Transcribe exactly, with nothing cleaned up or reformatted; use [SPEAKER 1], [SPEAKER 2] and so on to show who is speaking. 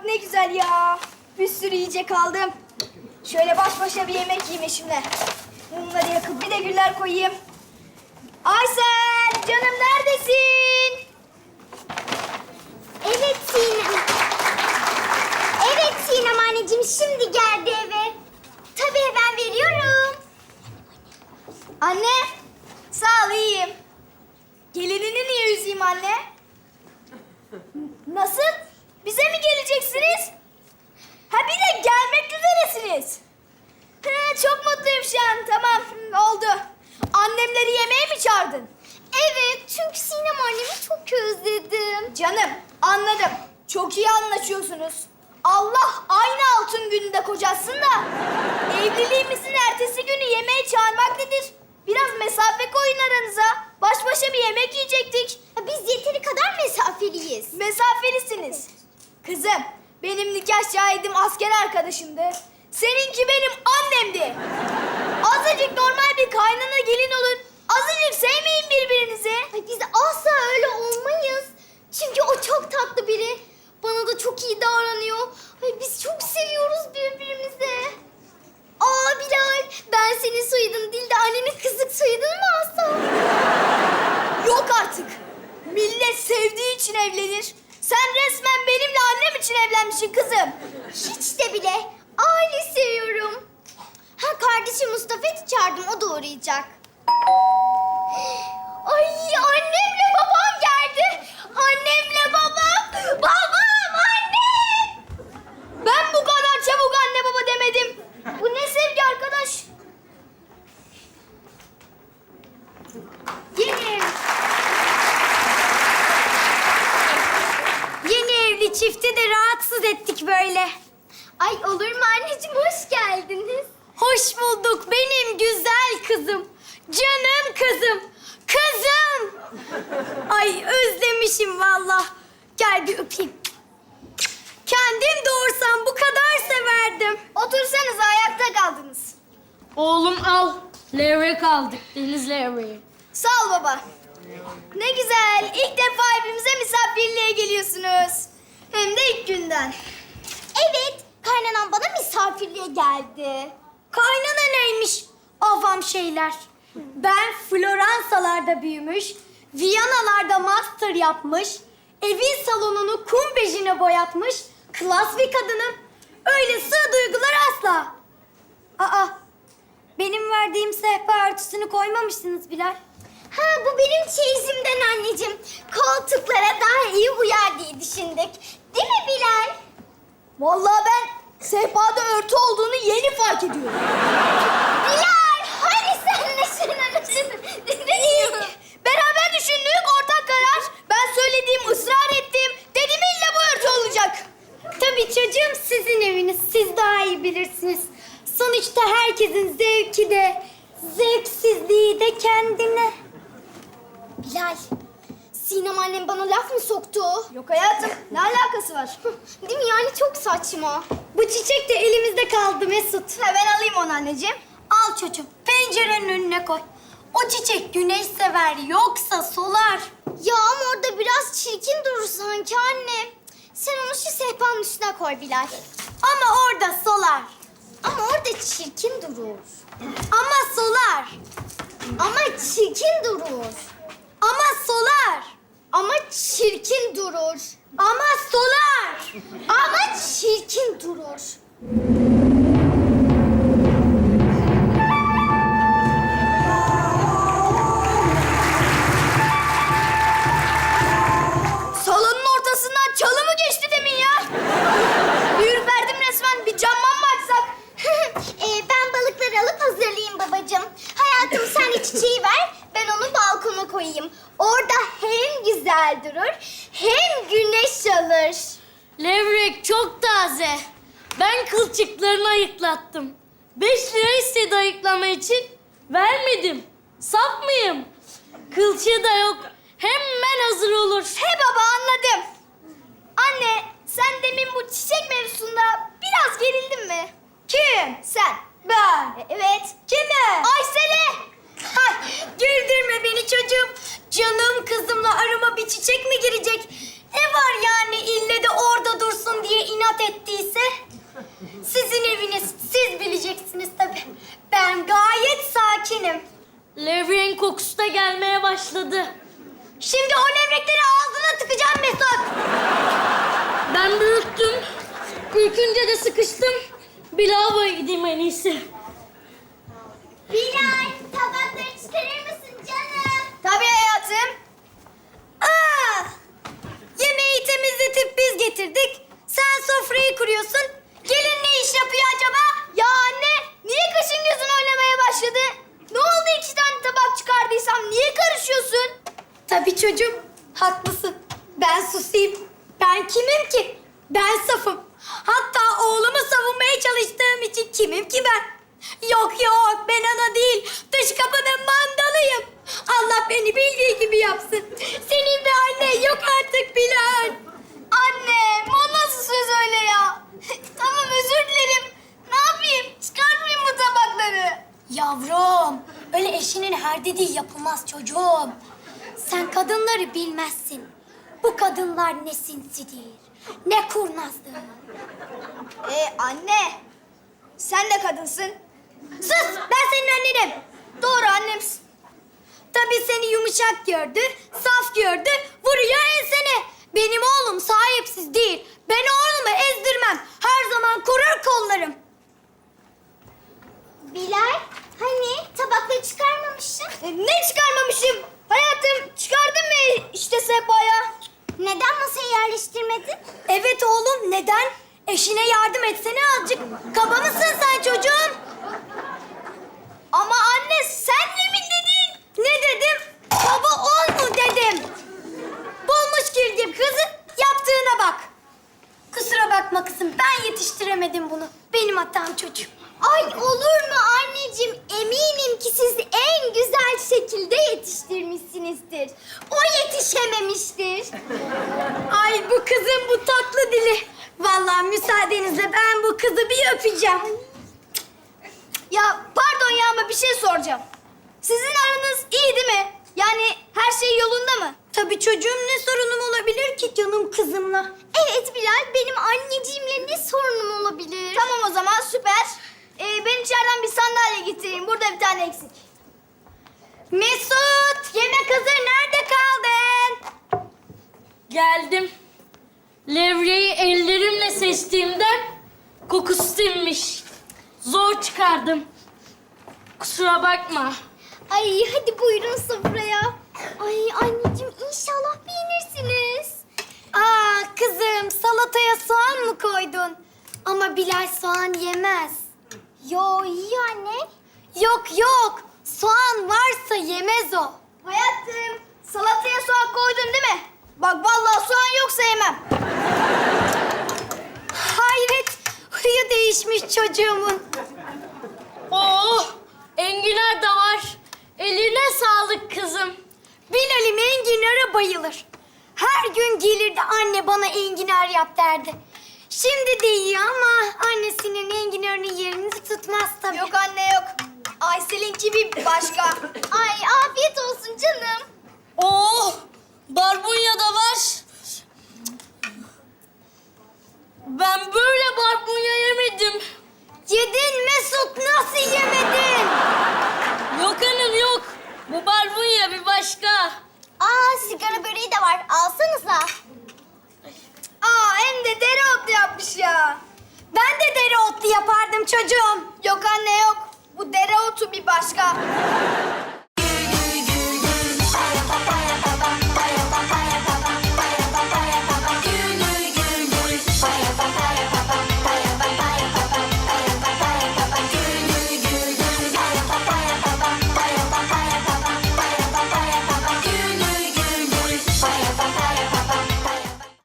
[SPEAKER 1] olmak ne güzel ya. Bir sürü yiyecek aldım. Şöyle baş başa bir yemek yiyeyim eşimle. Mumları yakıp bir de güller koyayım. Aysel, canım neredesin?
[SPEAKER 2] Evet Sinem. Evet Sinem anneciğim, şimdi geldi eve. Tabii ben veriyorum.
[SPEAKER 1] Anne, sağ ol iyiyim. Gelinini niye üzeyim anne? Nasıl? Bize mi geleceksiniz? Ha bir de gelmek üzeresiniz. Ha, çok mutluyum şu an. Tamam, oldu. Annemleri yemeğe mi çağırdın?
[SPEAKER 2] Evet, çünkü Sinem annemi çok özledim.
[SPEAKER 1] Canım, anladım. Çok iyi anlaşıyorsunuz. Allah aynı altın gününde kocasın da evliliğimizin ertesi günü yemeğe çağırmak nedir? Biraz mesafe koyun aranıza. Baş başa bir yemek yiyecektik.
[SPEAKER 2] Ya biz yeteri kadar mesafeliyiz.
[SPEAKER 1] Mesafelisiniz. Kızım, benim nikah şahidim asker arkadaşımdı. Seninki benim annemdi. Azıcık normal bir kaynana gelin olun. Azıcık sevmeyin birbirinizi.
[SPEAKER 2] Ay biz asla öyle olmayız. Çünkü o çok tatlı biri. Bana da çok iyi davranıyor. Ay biz çok seviyoruz birbirimizi. Aa Bilal, ben senin soyadın değil de annenin kızlık soyadını mı alsam?
[SPEAKER 1] Yok artık. Millet sevdiği için evlenir. Sen resmen benimle annem için evlenmişsin kızım.
[SPEAKER 2] Hiç de bile. Aile seviyorum. Ha kardeşim Mustafa'yı çağırdım, o da uğrayacak. Ay annemle babam geldi. Annemle babam. Babam, annem.
[SPEAKER 1] Ben bu kadar çabuk anne baba demedim. Bu ne sevgi arkadaş?
[SPEAKER 2] Yeni ev. Yeni evli çifti de rahatsız ettik böyle. Ay olur mu anneciğim, hoş geldiniz. Hoş bulduk benim güzel kızım. Canım kızım. Kızım. Ay özlemişim vallahi. Gel bir öpeyim. Kendim doğursam bu kadar severdim.
[SPEAKER 1] Otursanız ayakta kaldınız.
[SPEAKER 3] Oğlum al. Levrek aldık. Deniz levreği.
[SPEAKER 1] Sağ ol baba. Ne güzel. İlk defa evimize misafirliğe geliyorsunuz. Hem de ilk günden.
[SPEAKER 2] Evet, kaynanan bana misafirliğe geldi. Kaynana neymiş? Avam şeyler. Ben Floransalarda büyümüş, Viyanalarda master yapmış, evin salonunu kum bejine boyatmış, klas bir kadınım. Öyle sığ duygular asla. Aa, benim verdiğim sehpa örtüsünü koymamışsınız Bilal. Ha, bu benim çeyizimden anneciğim. Koltuklara daha iyi uyar diye düşündük. Değil mi Bilal?
[SPEAKER 1] Vallahi ben sehpada örtü olduğunu yeni fark ediyorum.
[SPEAKER 2] Bilal, hani sen neşen
[SPEAKER 1] İyi. Beraber düşündük, ortak karar. Ben söylediğim, ısrar ettim. Dedim illa bu örtü olacak.
[SPEAKER 2] Tabii çocuğum, sizin eviniz. Siz daha iyi bilirsiniz. Sonuçta herkesin zevki de, zevksizliği de kendine. Bilal, Sinem annem bana laf mı soktu?
[SPEAKER 1] Yok hayatım, ne alakası var?
[SPEAKER 2] Değil mi yani, çok saçma. Bu çiçek de elimizde kaldı Mesut.
[SPEAKER 1] Ha, ben alayım onu anneciğim.
[SPEAKER 2] Al çocuğum, pencerenin önüne koy. O çiçek güneş sever, yoksa solar. Ya ama orada biraz çirkin durur sanki anne. Sen onu şu sehpanın üstüne koy Bilal. Ama orada solar. Ama orada çirkin durur. Ama solar. Ama çirkin durur. Ama solar. Ama çirkin durur. Ama solar. Ama çirkin durur.
[SPEAKER 1] Salonun ortasından çalı mı geçti demin ya? Bir ürperdim resmen. Bir camdan mı açsak?
[SPEAKER 2] ee, ben balıkları alıp hazırlayayım babacığım. Hayatım sen de çiçeği ver, ben onu balkona koyayım. Orada hem güzel durur, hem güneş alır.
[SPEAKER 3] Levrek çok taze. Ben kılçıklarını ayıklattım. Beş lira istedi ayıklama için. Vermedim. Saf mıyım? Kılçığı da yok. Hemen hazır olur.
[SPEAKER 1] He baba anladım. Anne sen demin bu çiçek mevzusunda biraz gerildin mi? Kim? Sen. Ben. E, evet. Kime? Aysel'e.
[SPEAKER 2] Ay, güldürme beni çocuğum. Canım kızımla arama bir çiçek mi girecek? Ne var yani ille de orada dursun diye inat rahat ettiyse sizin eviniz, siz bileceksiniz tabii. Ben gayet sakinim.
[SPEAKER 3] Levreğin kokusu da gelmeye başladı.
[SPEAKER 2] Şimdi o levrekleri ağzına tıkacağım Mesut.
[SPEAKER 3] Ben büyüttüm. Ürkünce de sıkıştım. Bir lavaboya gideyim en iyisi.
[SPEAKER 2] Bilal, tabakları çıkarır mısın canım?
[SPEAKER 1] Tabii hayatım.
[SPEAKER 2] Aa! Yemeği temizletip biz getirdik. Sen sofrayı kuruyorsun. Gelin ne iş yapıyor acaba?
[SPEAKER 1] Ya anne, niye kaşın gözün oynamaya başladı? Ne oldu iki tane tabak çıkardıysam? Niye karışıyorsun?
[SPEAKER 2] Tabii çocuğum, haklısın. Ben susayım. Ben kimim ki? Ben safım. Hatta oğlumu savunmaya çalıştığım için kimim ki ben? Yok yok, ben ana değil, dış kapının mandalıyım. Allah beni bildiği gibi yapsın. Senin bir annen yok artık Bilal.
[SPEAKER 1] Anne, o nasıl söz öyle ya? Tamam, özür dilerim. Ne yapayım? Çıkartmayayım bu tabakları.
[SPEAKER 2] Yavrum, öyle eşinin her dediği yapılmaz çocuğum. Sen kadınları bilmezsin. Bu kadınlar ne sinsidir, ne kurnazdır.
[SPEAKER 1] Ee anne, sen de kadınsın.
[SPEAKER 2] Sus, ben senin annenim.
[SPEAKER 1] Doğru, annemsin.
[SPEAKER 2] Tabii seni yumuşak gördü, saf gördü, vuruyor ensene. Benim oğlum sahipsiz değil. Ben oğlumu ezdirmem. Her zaman korur kollarım. Bilal, hani tabakları çıkarmamışsın?
[SPEAKER 1] Ee, ne çıkarmamışım? Hayatım, çıkardın mı işte sehpaya?
[SPEAKER 2] Neden masayı yerleştirmedin? Evet oğlum, neden? Eşine yardım etsene azıcık. Kaba mısın sen çocuğum?
[SPEAKER 1] Ama anne, sen ne mi dedin?
[SPEAKER 2] Ne dedim? Baba ol mu dedim. Bulmuş girdim kızı, yaptığına bak. Kusura bakma kızım, ben yetiştiremedim bunu. Benim hatam çocuğum.
[SPEAKER 4] Ay olur mu anneciğim? Eminim ki siz en güzel şekilde yetiştirmişsinizdir. O yetişememiştir.
[SPEAKER 2] Ay bu kızın bu tatlı dili. Vallahi müsaadenizle ben bu kızı bir öpeceğim.
[SPEAKER 1] Ya pardon ya, ama bir şey soracağım. Sizin aranız iyi değil mi? Yani her şey yolunda mı?
[SPEAKER 2] Tabii çocuğum, ne sorunum olabilir ki canım kızımla?
[SPEAKER 4] Evet Bilal, benim anneciğimle ne sorunum olabilir?
[SPEAKER 1] Tamam o zaman, süper. Ee, ben içeriden bir sandalye getireyim. Burada bir tane eksik.
[SPEAKER 2] Mesut, yemek hazır. Nerede kaldın?
[SPEAKER 3] Geldim. Levreyi ellerimle seçtiğimden kokusu sinmiş. Zor çıkardım. Kusura bakma.
[SPEAKER 4] Ay hadi buyurun sofraya. Ay anneciğim inşallah beğenirsiniz.
[SPEAKER 2] Aa kızım, salataya soğan mı koydun? Ama Bilal soğan yemez.
[SPEAKER 4] Yo iyi anne.
[SPEAKER 2] Yok yok, soğan varsa yemez o.
[SPEAKER 1] Hayatım, salataya soğan koydun değil mi? Bak vallahi soğan yoksa yemem.
[SPEAKER 2] Hayret, huyu değişmiş çocuğumun.
[SPEAKER 3] Oo, enginar da var. Eline sağlık kızım.
[SPEAKER 2] Bilal'im enginara bayılır. Her gün gelirdi, anne bana enginar yap derdi. Şimdi de yiyor ama annesinin enginarının yerini tutmaz tabii.
[SPEAKER 1] Yok anne, yok. Aysel'inki bir başka.
[SPEAKER 4] Ay afiyet olsun canım.
[SPEAKER 3] Oo, barbunya da var. Ben böyle barbunya yemedim.
[SPEAKER 2] Yedin Mesut, nasıl yemedin?
[SPEAKER 3] Yok hanım yok. Bu barbunya bir başka.
[SPEAKER 4] Aa sigara böreği de var. Alsanıza.
[SPEAKER 1] Aa, hem de dereotlu yapmış ya.
[SPEAKER 2] Ben de dereotlu yapardım çocuğum.
[SPEAKER 1] Yok anne, yok. Bu dereotu bir başka.